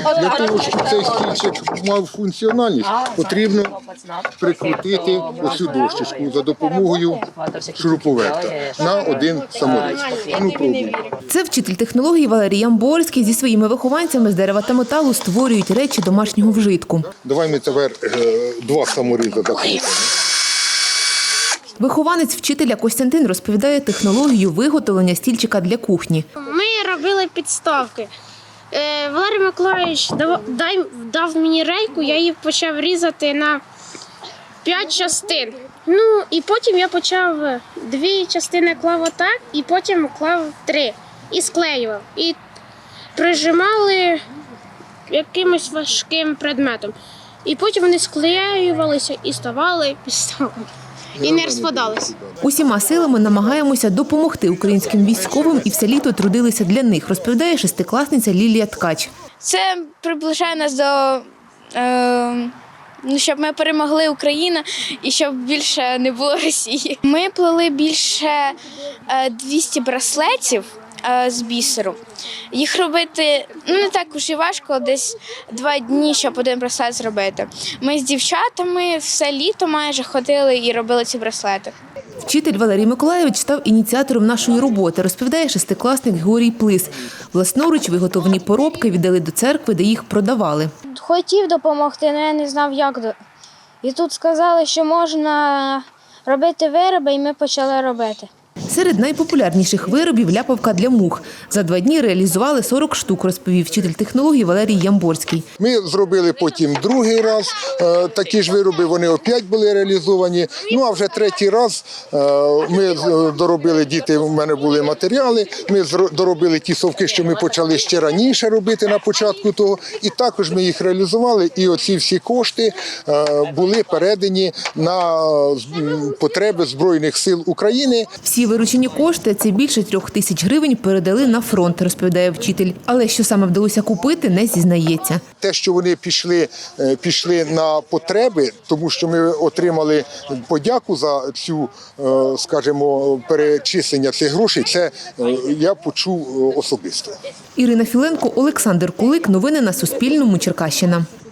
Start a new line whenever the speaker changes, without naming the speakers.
Для того, щоб цей стільчик мав функціональність, потрібно прикрутити оцю дощечку за допомогою шуруповерта на один саморіз. Ну, пробуй.
Це вчитель технології Валерій Ямборський зі своїми вихованцями з дерева та металу створюють речі домашнього вжитку.
Давай ми тепер два саморізи закрутимо.
Вихованець вчителя Костянтин розповідає технологію виготовлення стільчика для кухні.
Ми робили підставки. Валерій Миколаївич дав мені рейку, я її почав різати на 5 частин. Ну, і потім я почав 2 частини клав отак, і потім клав 3. І склеював. І прижимали якимось важким предметом. І потім вони склеювалися і ставали підставками. І не розпадалися.
Усіма силами намагаємося допомогти українським військовим і все літо трудилися для них, розповідає шестикласниця Лілія Ткач.
Це приближає нас до, щоб ми перемогли Україну і щоб більше не було Росії. Ми плели більше 200 браслетів з бісеру. Їх робити не так уж і важко, десь 2 дні, щоб один браслет зробити. Ми з дівчатами все літо майже ходили і робили ці браслети.
Вчитель Валерій Миколаївич став ініціатором нашої роботи, розповідає шестикласник Георгій Плис. Власноруч виготовлені поробки віддали до церкви, де їх продавали.
Хотів допомогти, але я не знав, як. І тут сказали, що можна робити вироби, і ми почали робити.
Серед найпопулярніших виробів – ляпавка для мух. За 2 дні реалізували 40 штук, розповів вчитель технології Валерій Ямборський.
Ми зробили потім другий раз такі ж вироби, вони опять були реалізовані. Ну а вже третій раз ми доробили, діти, у мене були матеріали, ми доробили ті совки, що ми почали ще раніше робити на початку того. І також ми їх реалізували, і оці всі кошти були передані на потреби Збройних сил України.
Всі виручені кошти, це більше 3 тисяч гривень, передали на фронт, розповідає вчитель. Але що саме вдалося купити, не зізнається.
Те, що вони пішли на потреби, тому що ми отримали подяку за цю, скажімо, перечислення цих грошей, це я почув особисто.
Ірина Філенко, Олександр Кулик. Новини на Суспільному. Черкащина.